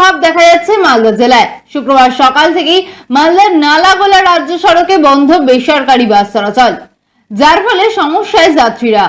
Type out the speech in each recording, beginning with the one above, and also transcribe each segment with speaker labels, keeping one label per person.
Speaker 1: প্রভাব দেখা যাচ্ছে মালদা জেলায়। শুক্রবার সকাল থেকেই মালদার নালাগোলা রাজ্য সড়কে বন্ধ বেসরকারি বাস চলাচল, যার ফলে সমস্যায় যাত্রীরা।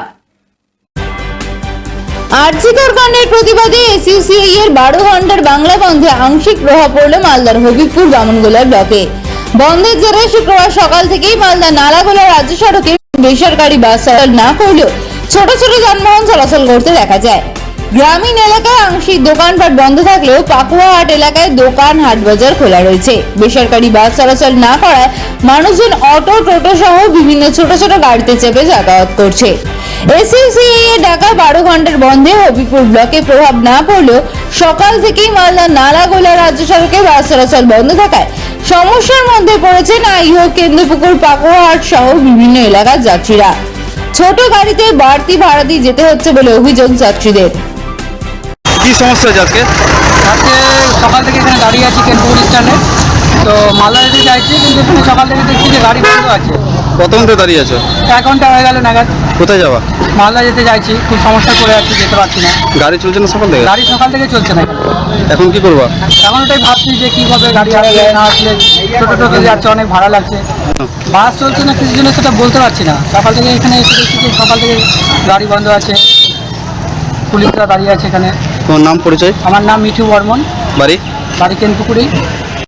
Speaker 1: আরজিকর কাণ্ডের প্রতিবাদে এসইউসিআই এর 12 ঘন্টার বাংলা বন্ধে আংশিক প্রভাব পড়ল মালদার হবিবপুর বামনগোলা ব্লকে। বন্ধের জেরে শুক্রবার সকাল থেকেই মালদা নালাগোলা রাজ্য সড়কে বেসরকারি বাস চলাচল না করলেও ছোট ছোট যানবাহন চলাচল করতে দেখা যায়। গ্রামীণ এলাকায় আংশিক দোকানপাট বন্ধ থাকলেও পাকুয়াহাট এলাকায় দোকান হাট বাজার খোলা রয়েছে। বেসরকারি বাস চলাচল না করায় মানুষজন অটো, টোটো সহ বিভিন্ন ছোট ছোট গাড়িতে চেপে যাতায়াত করছে। এসইউসিআই এর ডাকা 12 ঘন্টার বন্ধে হবিবপুর ব্লকে প্রভাব না পড়লেও সকাল থেকেই মালদা নালাগোলা রাজ্য সড়কে বাস চলাচল বন্ধ থাকায় সমস্যার মধ্যে পড়েছেন আইহোক, কেন্দ্রপুকুর, পাকুয়াহাট সহ বিভিন্ন এলাকার যাত্রীরা। ছোট গাড়িতে বাড়তি ভাড়া দিয়ে যেতে হচ্ছে বলে অভিযোগ যাত্রীদের।
Speaker 2: কি সমস্যা হয়েছে আজকে?
Speaker 3: আজকে সকাল থেকে এখানে দাঁড়িয়ে আছি কেন্দ্রপুর স্ট্যান্ডে, তো মালদা যেতে চাইছি, কিন্তু এখানে সকাল থেকে দেখছি যে গাড়ি বন্ধ আছে।
Speaker 2: কত ঘন্টা দাঁড়িয়ে আছো?
Speaker 3: 1 ঘন্টা হয়ে গেল নাগাদ।
Speaker 2: কোথায় যাওয়া?
Speaker 3: মালদা যেতে চাইছি, খুব সমস্যা করে আছি, যেতে পারছি না।
Speaker 2: গাড়ি চলছে না সকাল থেকে?
Speaker 3: গাড়ি সকাল থেকে চলছে না।
Speaker 2: এখন কি করবা?
Speaker 3: এখন ওটাই ভাবছি যে কী হবে, গাড়ি আসলে না আসলে। ছোটো টোটো যাচ্ছে, অনেক ভাড়া লাগছে। বাস চলছে না কিছু জন্য, সেটা বলতে পারছি না। সকাল থেকে এখানে এসে দেখছি যে সকাল থেকে গাড়ি বন্ধ আছে, পুলিশরা দাঁড়িয়ে আছে এখানে।
Speaker 2: তোমার নাম, পরিচয়?
Speaker 3: আমার নাম মিঠু বর্মন,
Speaker 2: বাড়ি?
Speaker 3: বাড়ি কেন্দ্রপুকুরেই।